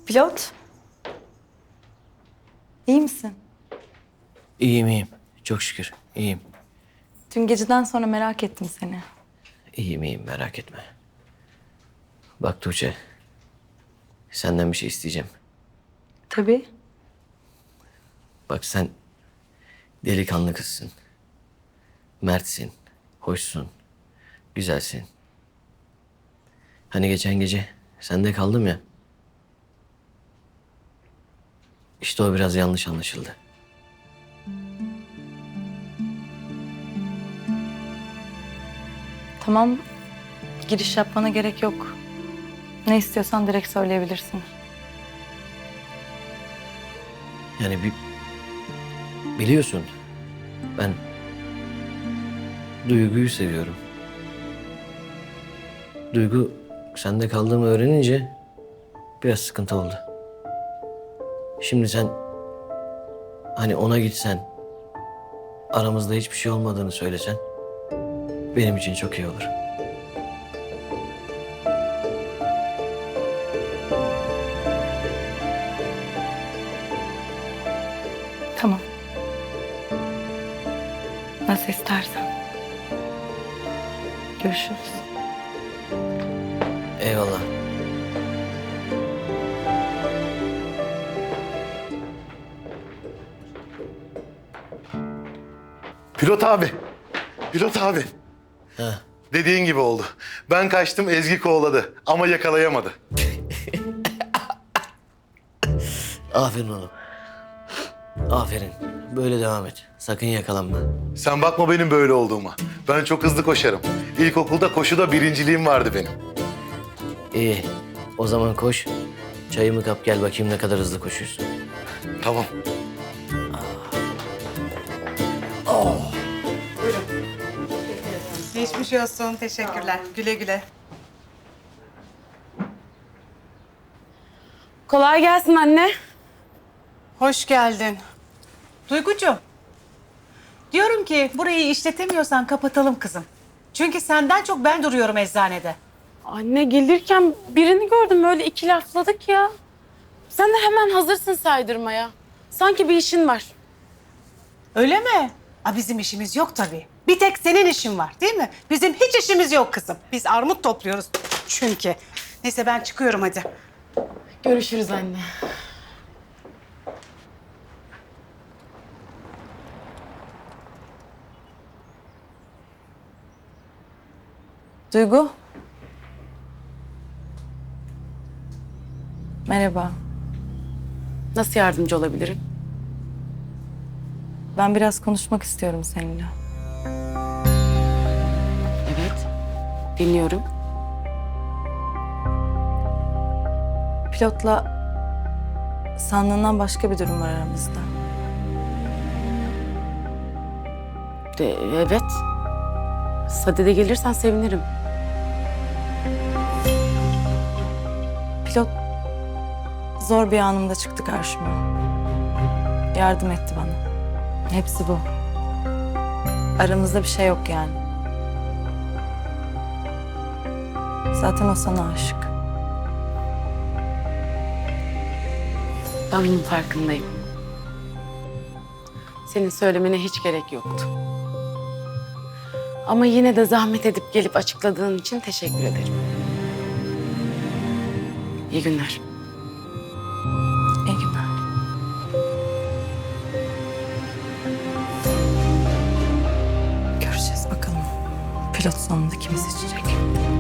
Pilot. İyi misin? İyiyim iyiyim. Çok şükür iyiyim. Dün geceden sonra merak ettim seni. İyiyim iyiyim merak etme. Bak Tuğçe. Senden bir şey isteyeceğim. Tabii. Bak sen delikanlı kızsın. Mertsin. Hoşsun. Güzelsin. Hani geçen gece sende kaldım ya. İşte o biraz yanlış anlaşıldı. Tamam. Giriş yapmana gerek yok. Ne istiyorsan direkt söyleyebilirsin. Yani biliyorsun ben Duygu'yu seviyorum. Duygu sende kaldığımı öğrenince biraz sıkıntı oldu. Şimdi sen hani ona gitsen, aramızda hiçbir şey olmadığını söylesen benim için çok iyi olur. Tamam. Nasıl istersen. Görüşürüz. Eyvallah. Pilot abi. Pilot abi. Ha. Dediğin gibi oldu. Ben kaçtım, Ezgi kovaladı ama yakalayamadı. Aferin oğlum. Aferin. Böyle devam et. Sakın yakalanma. Sen bakma benim böyle olduğuma. Ben çok hızlı koşarım. İlkokulda koşuda birinciliğim vardı benim. İyi. O zaman koş. Çayımı kap gel bakayım ne kadar hızlı koşuyorsun. Tamam. Geçmiş olsun. Teşekkürler. Güle güle. Kolay gelsin anne. Hoş geldin. Duygucuğum. Diyorum ki burayı işletemiyorsan kapatalım kızım. Çünkü senden çok ben duruyorum eczanede. Anne gelirken birini gördüm öyle iki lafladık ya. Sen de hemen hazırsın saydırmaya. Sanki bir işin var. Öyle mi? Bizim işimiz yok tabii. Bir tek senin işin var değil mi? Bizim hiç işimiz yok kızım. Biz armut topluyoruz çünkü. Neyse ben çıkıyorum hadi. Görüşürüz anne. Duygu. Merhaba. Nasıl yardımcı olabilirim? Ben biraz konuşmak istiyorum seninle. Evet. Dinliyorum. Pilotla sandığından başka bir durum var aramızda. Evet. Sadede gelirsen sevinirim. Pilot zor bir anımda çıktı karşıma. Yardım etti bana. Hepsi bu. Aramızda bir şey yok yani. Zaten o sana aşık. Ben bunun farkındayım. Senin söylemene hiç gerek yoktu. Ama yine de zahmet edip gelip açıkladığın için teşekkür ederim. İyi günler. İyi günler. Göreceğiz bakalım. Pilot sonunda kimi seçecek?